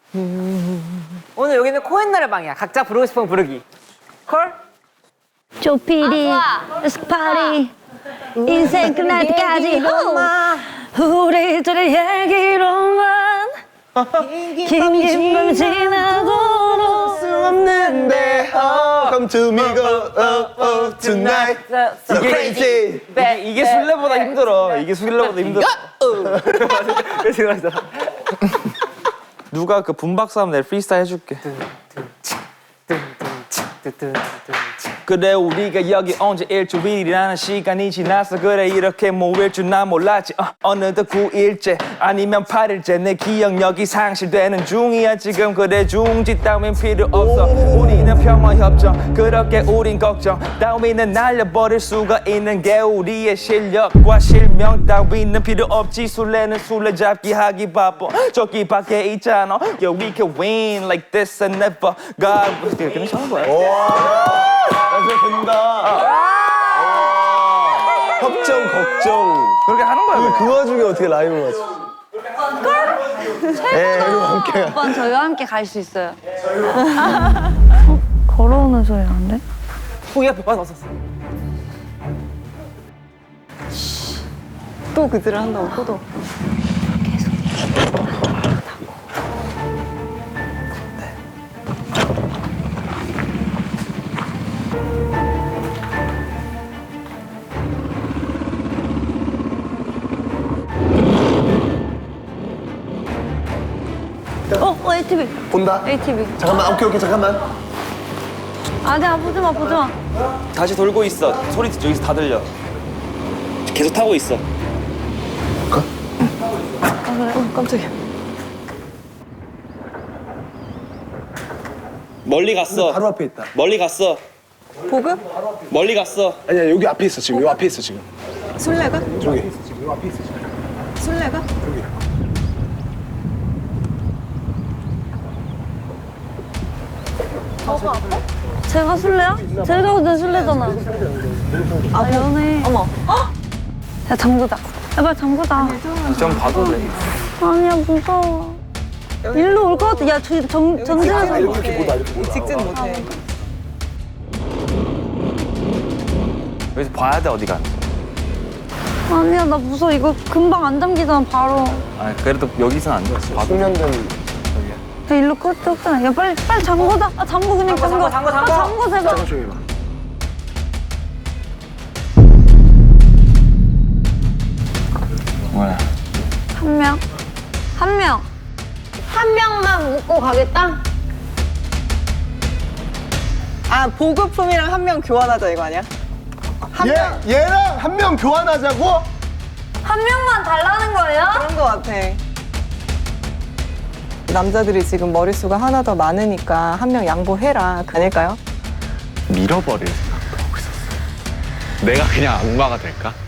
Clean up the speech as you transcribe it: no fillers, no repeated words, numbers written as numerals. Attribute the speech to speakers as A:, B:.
A: 오늘 여기는 코엔나의 방이야. 각자 부르고 싶은 거 부르기. 콜?
B: 조피디 스파리 인생 끝날 때까지 우리들의 얘기로만 긴 밤 지나도록
C: 수 없는데 Come to me go tonight So crazy
D: 이게 술래보다 힘들어. 이게 술래보다 힘들어. 그래서 그러잖아. 누가 그 분박사하면 내가 프리스타일 해줄게. 그래 우리가 여기 온 지 일주일이라는 시간이 지나서 그래 이렇게 모일 줄 난 몰랐지 어느덧 9일째 아니면 8일째 내 기억력이 상실되는 중이야 지금 그래 중지 따윈 필요 없어 우리는 평화협정 그렇게 우린 걱정 따위는 날려버릴 수가 있는 게 우리의 실력과 실명 따위는 필요 없지 술래는 술래잡기 하기 바빠 저기 밖에 있잖아 Yeah we can win like this and never God 그냥 하는 거야
C: 된다 협정 걱정
D: 그렇게 하는 거야
C: 그 와중에 어떻게 라이브를 맞춰
B: 최고다. 오빠는 저희와 함께 갈 수 있어요. 걸어오는 소리 나는데?
A: 후기 앞에 빠졌었어.
E: 또 그들을 한다고 또.
B: ATV.
C: 본다?
B: ATV.
C: 잠깐만 오케이 잠깐만
B: 아니야, 보지 마, 보지 마.
D: 다시 돌고 있어 소리 여기서 다 들려 계속 타고 있어
E: 깜짝이야.
D: 멀리 갔어
C: 바로 앞에 있다
D: 멀리 갔어
E: 보급?
D: 멀리 갔어
C: 아니야 여기 앞에 있어 지금 요 앞에 있어 지금
E: 술래가?
C: 저기
E: 술래가?
B: 제가 술래야? 제가 근데 술래잖아. 아, 연애.
E: 어머.
B: 야, 잠그자. 야, 빨리 잠그자.
D: 좀 봐줄래
B: 아니야, 무서워. 일로 올 것 같아. 야, 전진해서.
C: 이렇게 보다 이렇게 보다
E: 직진 못해.
D: 여기서 봐야 돼 어디가
B: 아니야, 나 무서워. 이거 금방 안 잠기잖아, 바로.
D: 아 그래도 여기선 안 돼. 봐도
C: 숙련된
B: 야, 일로 끌었잖아. 야, 빨리 잠그자. 아, 잠궈, 그냥 잠궈.
A: 잠궈.
B: 아, 잠궈, 제발.
C: 잠깐 조용히 해봐
D: 뭐야
B: 한 명. 한 명. 한 명만 묻고 가겠다?
E: 아, 보급품이랑 한 명 교환하자 이거 아니야?
C: 얘랑 한 명 교환하자고?
B: 한 명만 달라는 거예요?
E: 그런 거 같아. 남자들이 지금 머릿수가 하나 더 많으니까 한 명 양보해라. 아닐까요?
F: 밀어버릴 생각도 하고 있었어. 내가 그냥 악마가 될까?